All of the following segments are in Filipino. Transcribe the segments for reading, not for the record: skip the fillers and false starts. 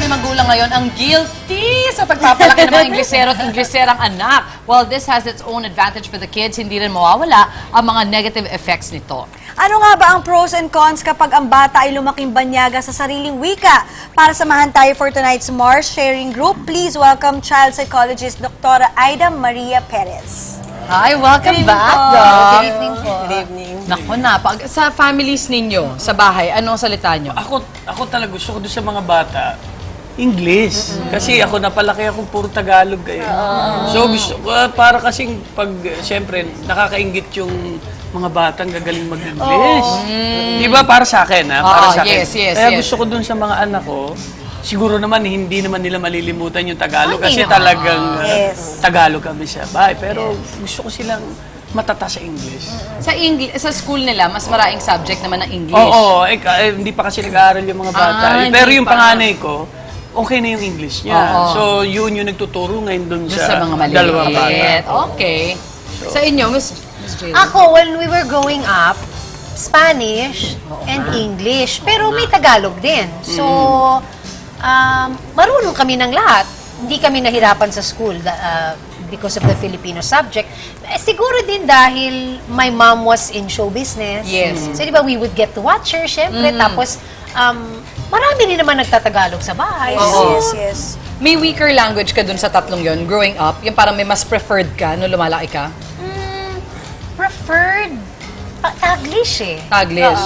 maraming magulang ngayon ang guilty sa pagpapalaki ng mga Inglesero at Ingleserang anak. While this has its own advantage for the kids, hindi rin mawawala ang mga negative effects nito. Ano nga ba ang pros and cons kapag ang bata ay lumaking banyaga sa sariling wika? Para samahan tayo for tonight's Mars Sharing Group, please welcome child psychologist Dr. Aida Maria Perez. Hi, welcome back, po. Doc. Good evening po. Good evening. Naku na, sa families ninyo, sa bahay, anong salita nyo? Ako talaga gusto ko doon sa mga bata, English. Kasi ako napalaki akong puro Tagalog kayo. So gusto ko, para kasing pag, siyempre, nakakaingit yung mga batang gagaling mag-English. Di ba? Para sa akin, ha? Para sa akin. Yes. Kaya gusto ko doon sa mga anak ko, siguro naman hindi naman nila malilimutan yung Tagalog kasi naman. talagang Yes. Tagalog kami sa bahay. Pero gusto ko silang matata sa English. Sa school nila, mas maraming subject naman ng English. Oo, hindi pa kasi nag-aaral yung mga bata. Pero hindi yung pa. panganay ko, okay na yung English niya. Oo. So, yun yung nagtuturo ngayon dun Doon sa, sa mga dalawang bata. maliit. Okay. Sa inyo, Miss Jayla? Ako, when we were growing up, Spanish and English. Pero may Tagalog din. So, marunong kami ng lahat. Hindi kami nahirapan sa school because of the Filipino subject. Siguro din dahil my mom was in show business. Yes. So, di ba, we would get to watch her, syempre. Tapos, marami rin naman nagtatagalog sa bahay. So, Yes. May weaker language ka dun sa tatlong yon growing up? Yung parang may mas preferred ka nung lumalaki ka? preferred Taglish eh. Taglish?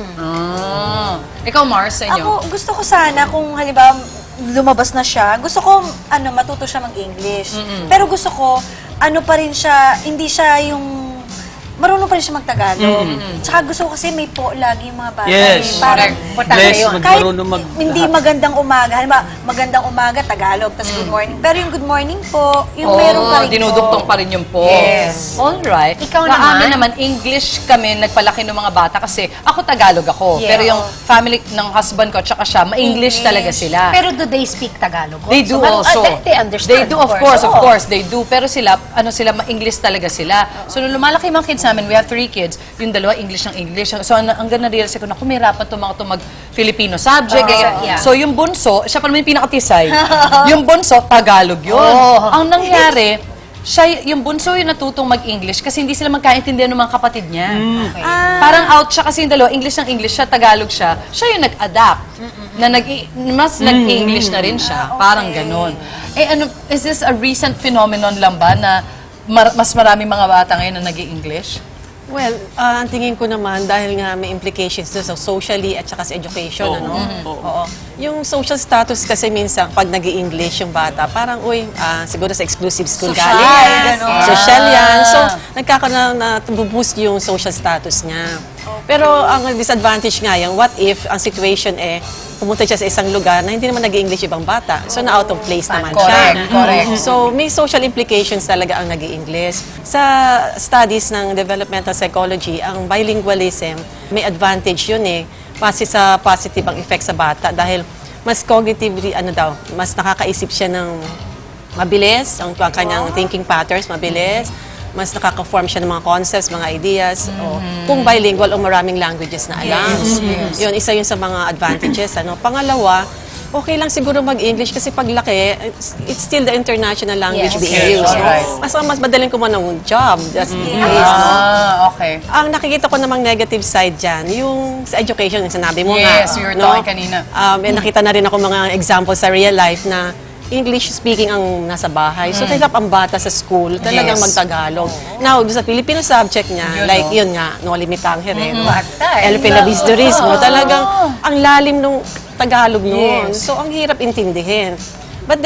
Ikaw, Mars, sa inyo? Ako, gusto ko sana kung halimbawa lumabas na siya, gusto ko matuto siya mag-English. Pero gusto ko, pa rin siya, hindi siya yung marunong pa rin siya mag-Tagalog. Tsaka gusto ko kasi may po lagi yung mga bata. Yes. Parang, Importante yun. kahit marunong hindi magandang umaga, halimbawa, magandang umaga, Tagalog, tas good morning. Pero yung good morning po, yung meron pa rin dinudugtong pa rin yung po. Yes. Alright. Ikaw Sa naman? amin naman, English kami nagpalaki ng mga bata kasi ako Tagalog ako. Yeah. Pero yung family ng husband ko at saka siya, ma-English talaga sila. Pero do they speak Tagalog? They do also. They understand. They do, of course, they do. Pero sila, ma-English talaga sila. So, nung lumalaki yung mga kids namin, we have 3 kids, yung dalawa, English ng English. So, hanggang na-realize ko na kumirapan itong mga mag-Filipino subject. Yeah. So, yung bunso, siya pa naman yung pinakatisay. Yung bunso, Tagalog yun. Ang nangyari, yung bunso yung natutong mag-English kasi hindi sila magkaintindihan ng mga kapatid niya. Parang out siya kasi yung dalawa, English ng English siya, Tagalog siya. Siya yung nag-adapt. Na mas nag-English na rin siya. Parang ganun. Is this a recent phenomenon lang ba na mas maraming mga bata ngayon na nag-English? Well, ang tingin ko naman, dahil nga may implications doon sa socially at saka sa education, Oo. Yung social status kasi minsan, pag nag-i-English yung bata, parang, siguro sa exclusive school galing. Social yan. So, nagkakaroon na boost yung social status niya. Pero ang disadvantage nga yung, what if ang situation pumunta siya sa isang lugar na hindi naman nag-i-English ibang bata. So, na-out of place naman siya. Correct. So, may social implications talaga ang nag-i-English. Sa studies ng developmental psychology, ang bilingualism, may advantage yun sa positive ang effect sa bata dahil mas cognitively, mas nakakaisip siya ng mabilis, ang kanyang thinking patterns, mabilis, mas nakaka-form siya ng mga concepts, mga ideas, o kung bilingual o maraming languages na alam. Yun, isa yun sa mga advantages. Pangalawa, okay lang siguro mag-English kasi paglaki, it's still the international language being used. Mas madaling kumuha ng job. That's the case, Okay. Ang nakikita ko namang negative side dyan, yung sa education, yung sinabi mo nga. Yes, you were talking kanina. Nakita na rin ako mga examples sa real life na English speaking ang nasa bahay. So, hirap ang bata sa school, talagang mag-Tagalog. Now, sa Filipino subject niya, yun nga, no limitang herero. El Pelavisdorismo, talagang ang lalim ng Tagalog noon. So, ang hirap intindihin.